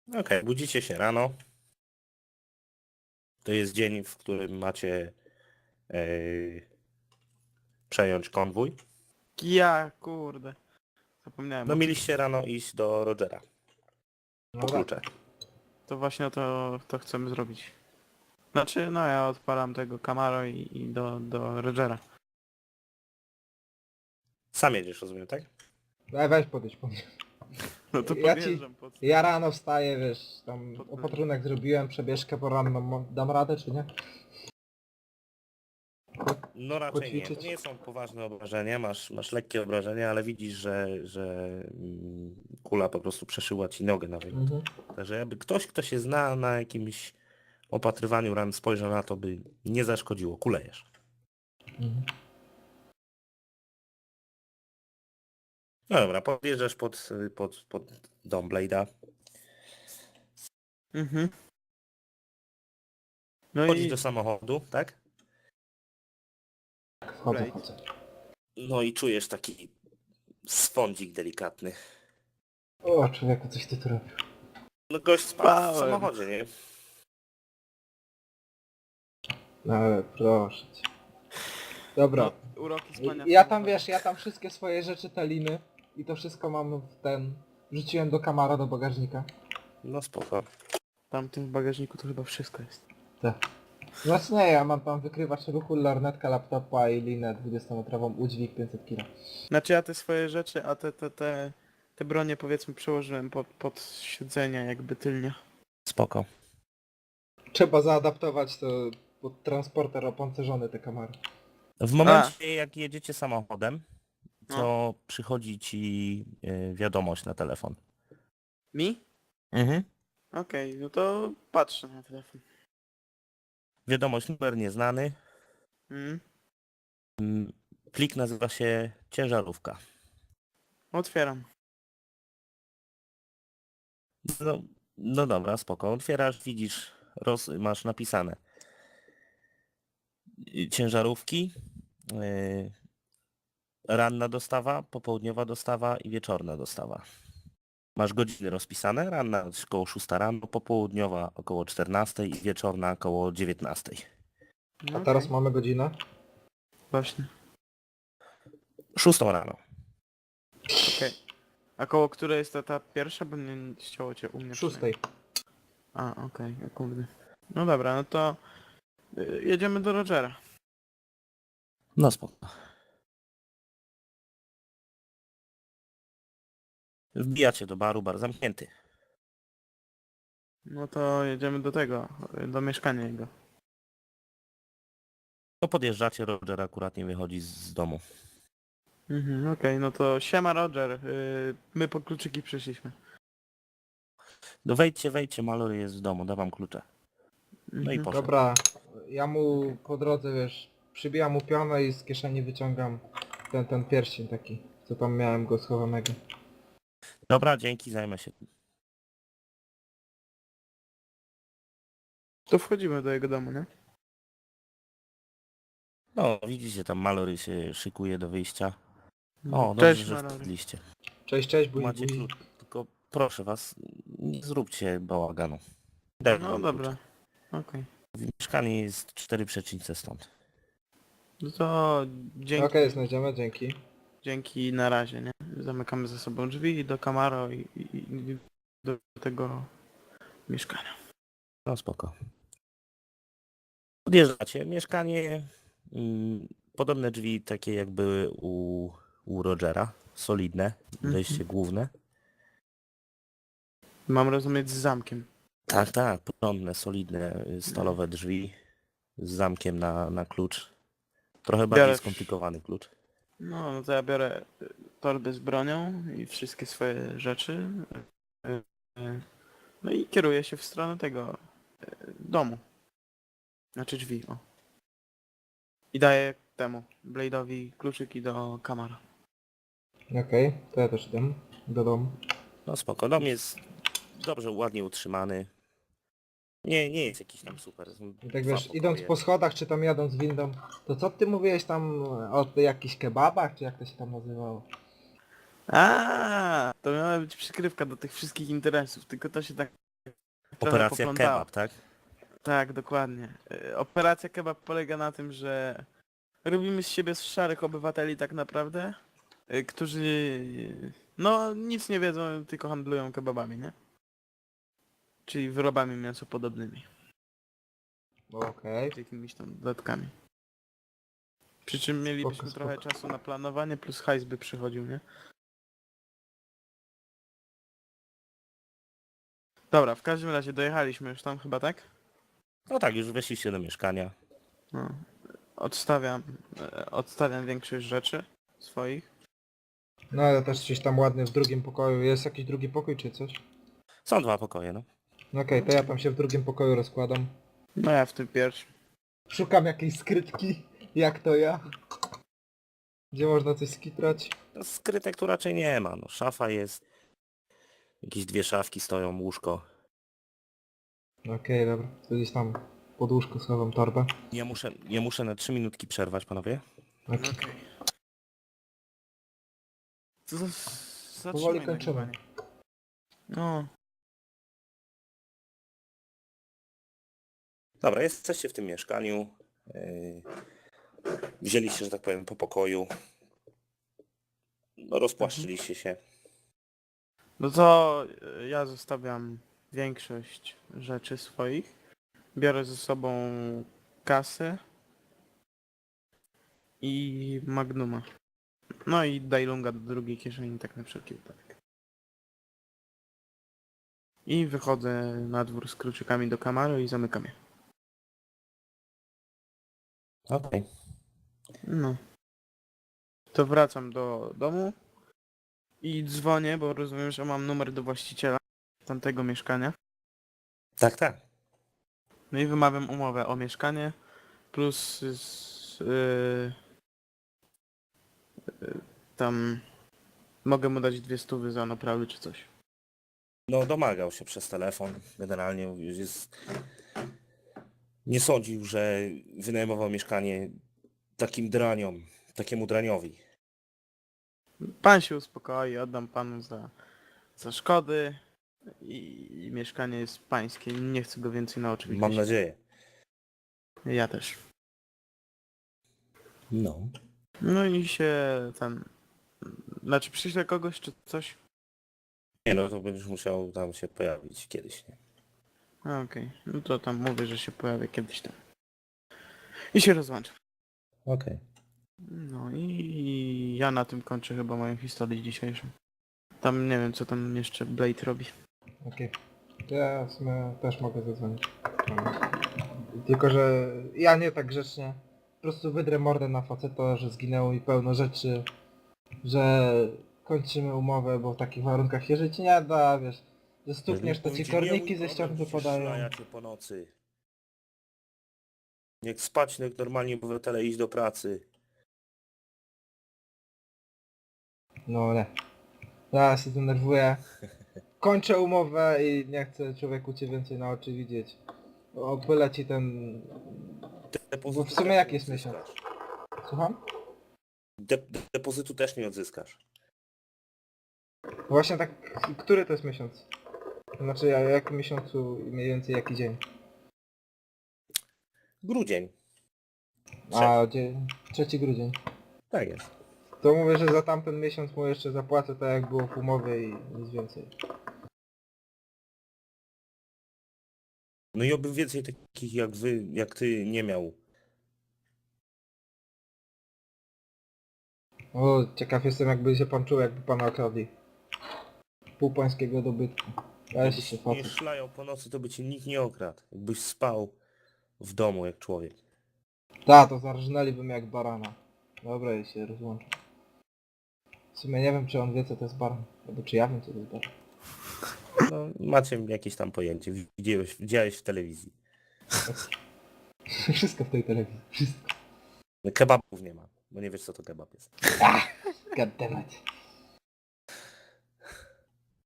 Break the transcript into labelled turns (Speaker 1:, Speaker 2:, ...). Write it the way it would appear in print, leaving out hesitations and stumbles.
Speaker 1: Okej, budzicie się rano. To jest dzień, w którym macie przejąć konwój.
Speaker 2: Ja, kurde. Zapomniałem
Speaker 1: No
Speaker 2: o tym.
Speaker 1: mieliście rano iść do Rogera po
Speaker 3: No
Speaker 1: klucze.
Speaker 3: tak.
Speaker 2: To właśnie to chcemy zrobić. Znaczy, no ja odpalam tego Camaro i do Rogera.
Speaker 1: Sam jedziesz, rozumiem, tak?
Speaker 3: Weź podejdź po mnie.
Speaker 2: No to
Speaker 3: Ja
Speaker 2: podjeżdżam pod...
Speaker 3: Ja rano wstaję, wiesz, tam
Speaker 2: Pod-
Speaker 3: opatrunek zrobiłem, przebieżkę poranną, dam radę czy nie?
Speaker 1: No raczej nie. To
Speaker 3: Poćwiczyć?
Speaker 1: nie są poważne obrażenia, masz lekkie obrażenia, ale widzisz, że kula po prostu przeszyła ci nogę nawet.
Speaker 3: Mhm.
Speaker 1: Także jakby ktoś, kto się zna na jakimś opatrywaniu ran, spojrzał na to, by nie zaszkodziło. Kulejesz.
Speaker 3: Mhm.
Speaker 1: No dobra, podjeżdżasz pod dom Blade'a.
Speaker 2: Mhm. No
Speaker 1: Wchodzisz
Speaker 2: i...
Speaker 1: do samochodu, tak?
Speaker 3: Wchodzę,
Speaker 2: Blade.
Speaker 3: wchodzę.
Speaker 1: No i czujesz taki swądzik delikatny.
Speaker 3: O człowieku, coś ty tu robił.
Speaker 1: No gość spał w
Speaker 2: Spałem.
Speaker 1: samochodzie, nie?
Speaker 3: No ale proszę cię. Dobra.
Speaker 2: No, uroki spania.
Speaker 3: Ja tam wiesz, ja tam wszystkie swoje rzeczy, te liny i to wszystko mam w ten... Wrzuciłem do kamara, do bagażnika.
Speaker 1: No spoko.
Speaker 2: Tam w tym bagażniku to chyba wszystko jest.
Speaker 3: Tak. Znaczy nie, ja mam tam wykrywacz ruchu, lornetka, laptopa i linę 20-metrową, udźwig 500 kg.
Speaker 2: Znaczy ja te swoje rzeczy, a te bronie powiedzmy przełożyłem pod siedzenia jakby tylnie.
Speaker 1: Spoko.
Speaker 3: Trzeba zaadaptować to pod transporter opancerzony te kamary.
Speaker 1: W momencie jak jedziecie samochodem, to przychodzi ci wiadomość na telefon.
Speaker 2: Mi?
Speaker 1: Mhm.
Speaker 2: Okej, no to patrzę na telefon.
Speaker 1: Wiadomość, numer nieznany.
Speaker 2: Mhm.
Speaker 1: Plik nazywa się ciężarówka.
Speaker 2: Otwieram.
Speaker 1: No dobra, spoko. Otwierasz, widzisz, masz napisane ciężarówki, ranna dostawa, popołudniowa dostawa i wieczorna dostawa. Masz godziny rozpisane, ranna około 6 rano, popołudniowa około 14 i wieczorna około 19.
Speaker 2: No
Speaker 3: A teraz
Speaker 2: okej.
Speaker 3: mamy godzinę?
Speaker 2: Właśnie.
Speaker 1: 6 rano.
Speaker 2: Okej. A koło której jest ta pierwsza? Bo nie chciało cię u mnie
Speaker 3: 6.
Speaker 2: przynajmniej. A, okej, kurde. No dobra, no to jedziemy do Rogera.
Speaker 1: No spoko. Wbijacie do baru, bar zamknięty.
Speaker 2: No to jedziemy do tego, do mieszkania jego.
Speaker 1: To podjeżdżacie, Roger akurat nie wychodzi z domu.
Speaker 2: Mhm, okej, no to siema Roger, my po kluczyki przyszliśmy.
Speaker 1: No wejdźcie, Mallory jest w domu, dawam klucze. No i
Speaker 2: Mhm.
Speaker 1: poszedł.
Speaker 3: Dobra, ja mu po drodze, wiesz, przybijam mu pionę i z kieszeni wyciągam ten pierścień taki, co tam miałem go schowanego.
Speaker 1: Dobra, dzięki, zajmę się.
Speaker 2: To wchodzimy do jego domu, nie?
Speaker 1: No, widzicie, tam Mallory się szykuje do wyjścia. O, dobrze,
Speaker 2: Cześć
Speaker 1: że
Speaker 2: Mallory.
Speaker 1: wpadliście.
Speaker 3: Cześć, cześć, buzi,
Speaker 1: Macie
Speaker 3: buzi.
Speaker 1: klucz, tylko proszę was, nie zróbcie bałaganu. Daj
Speaker 2: No
Speaker 1: wam
Speaker 2: dobra,
Speaker 1: klucze.
Speaker 2: okej.
Speaker 1: Mieszkanie jest 4 przecznice stąd.
Speaker 2: No to dzięki,
Speaker 3: Okej, znajdziemy, dzięki.
Speaker 2: dzięki na razie, nie? Zamykamy za sobą drzwi do Camaro i do tego mieszkania.
Speaker 1: No spoko. Podjeżdżacie. Mieszkanie, podobne drzwi takie jak były u Rogera. Solidne, wejście główne.
Speaker 2: Mam rozumieć z zamkiem.
Speaker 1: Tak, porządne, solidne, stalowe drzwi z zamkiem na klucz. Trochę bardziej
Speaker 2: Biorę-
Speaker 1: skomplikowany klucz.
Speaker 2: No to ja biorę torby z bronią i wszystkie swoje rzeczy. No i kieruję się w stronę tego domu. Znaczy drzwi, o. I daję temu, Blade'owi kluczyki do Camara.
Speaker 3: Okej, to ja też idę do domu.
Speaker 1: No spoko, dom jest dobrze, ładnie utrzymany. Nie jest jakiś tam super. Są
Speaker 3: I tak
Speaker 1: dwa
Speaker 3: wiesz,
Speaker 1: pokoje.
Speaker 3: idąc po schodach, czy tam jadąc windą, to co ty mówiłeś tam o jakichś kebabach, czy jak to się tam nazywało?
Speaker 2: A, to miała być przykrywka do tych wszystkich interesów, tylko to się tak trochę
Speaker 1: Operacja
Speaker 2: poplątało.
Speaker 1: kebab, tak?
Speaker 2: Tak, dokładnie. Operacja kebab polega na tym, że robimy z siebie szarych obywateli tak naprawdę, którzy no nic nie wiedzą, tylko handlują kebabami, nie? Czyli wyrobami mięsopodobnymi,
Speaker 3: Okej.
Speaker 2: z jakimiś tam dodatkami. Przy czym mielibyśmy
Speaker 3: Spoko,
Speaker 2: trochę
Speaker 3: spoko.
Speaker 2: czasu na planowanie, plus hajs by przychodził, nie? Dobra, w każdym razie dojechaliśmy już tam chyba, tak?
Speaker 1: No tak, już weszliście do mieszkania.
Speaker 2: No. Odstawiam większość rzeczy swoich.
Speaker 3: No ale też gdzieś tam ładnie w drugim pokoju. Jest jakiś drugi pokój czy coś?
Speaker 1: Są 2 pokoje, no.
Speaker 3: No okej, to ja tam się w drugim pokoju rozkładam.
Speaker 2: No ja w tym pierwszym.
Speaker 3: Szukam jakiejś skrytki, jak to ja. Gdzie można coś skitrać.
Speaker 1: No, skrytek tu raczej nie ma, no. Szafa jest. Jakieś 2 szafki stoją, łóżko.
Speaker 3: Okej, dobra. To gdzieś tam pod łóżko schowam torbę.
Speaker 1: Ja muszę na 3 minutki przerwać, panowie.
Speaker 3: Okej.
Speaker 2: Okej. Co za...
Speaker 3: Powoli
Speaker 2: Zatrzymaj
Speaker 3: kończymy.
Speaker 2: nagrywanie. No.
Speaker 1: Dobra, jesteście w tym mieszkaniu. Wzięliście, że tak powiem, po pokoju. No, rozpłaszczyliście się.
Speaker 2: No to ja zostawiam większość rzeczy swoich. Biorę ze sobą kasę i Magnuma. No i Dajlunga do drugiej kieszeni, tak na wszelki wypadek. I wychodzę na dwór z kluczykami do Camaro i zamykam je.
Speaker 1: Okej.
Speaker 2: No. To wracam do domu i dzwonię, bo rozumiem, że mam numer do właściciela tamtego mieszkania.
Speaker 1: Tak, tak.
Speaker 2: No i wymawiam umowę o mieszkanie plus tam mogę mu dać 200 za naprawy czy coś.
Speaker 1: No, domagał się przez telefon. Generalnie już jest... Nie sądził, że wynajmował mieszkanie takim draniom, takiemu draniowi.
Speaker 2: Pan się uspokoi, oddam panu za szkody i mieszkanie jest pańskie. Nie chcę go więcej na oczy
Speaker 1: Mam
Speaker 2: widzieć.
Speaker 1: nadzieję.
Speaker 2: Ja też.
Speaker 1: No.
Speaker 2: No i się tam... Znaczy przyślę kogoś czy coś?
Speaker 1: Nie no, to będziesz musiał tam się pojawić kiedyś, nie?
Speaker 2: A, okej. No to tam mówię, że się pojawię kiedyś tam. I się rozłączę.
Speaker 1: Okej.
Speaker 2: No i ja na tym kończę chyba moją historię dzisiejszą. Tam nie wiem co tam jeszcze Blade robi.
Speaker 3: Okej. Ja w sumie też mogę zadzwonić. Tylko, że ja nie tak grzecznie. Po prostu wydrę mordę na faceta, że zginęło mi pełno rzeczy. Że kończymy umowę, bo w takich warunkach się żyć nie da, wiesz. Że stukniesz, to ci korniki ze ścian wypadają.
Speaker 1: Szlajacie po nocy. Jak spać, jak normalnie obywatele iść do pracy.
Speaker 3: No nie. Ja się denerwuję. Kończę umowę i nie chcę człowieku cię więcej na oczy widzieć. Opyla ci ten... Bo w sumie jak jest miesiąc? Słucham?
Speaker 1: Depozytu też nie odzyskasz.
Speaker 3: Właśnie tak, który to jest miesiąc? Znaczy, jak miesiącu i mniej więcej jaki dzień?
Speaker 1: Grudzień.
Speaker 3: A, 3 grudzień.
Speaker 1: Tak jest.
Speaker 3: To mówię, że za tamten miesiąc mu jeszcze zapłacę tak jak było w umowie i nic więcej.
Speaker 1: No i oby więcej takich jak wy, jak ty nie miał.
Speaker 3: O, ciekaw jestem jakby się pan czuł, jakby pana okradli. Pół pańskiego dobytku. Weź
Speaker 1: Jakbyś
Speaker 3: się
Speaker 1: nie
Speaker 3: facet.
Speaker 1: szlajał po nocy, to by cię nikt nie okradł. Jakbyś spał w domu jak człowiek.
Speaker 3: Ta, to zarżnęliby mnie jak barana. Dobra, i się rozłączę. W sumie nie wiem, czy on wie, co to jest baran. Albo czy ja wiem, co to jest baran.
Speaker 1: No, macie jakieś tam pojęcie. Widziałeś w telewizji.
Speaker 3: Wszystko w tej telewizji. Wszystko.
Speaker 1: No, kebabów nie ma, bo nie wiesz co to kebab jest.
Speaker 3: Goddammit.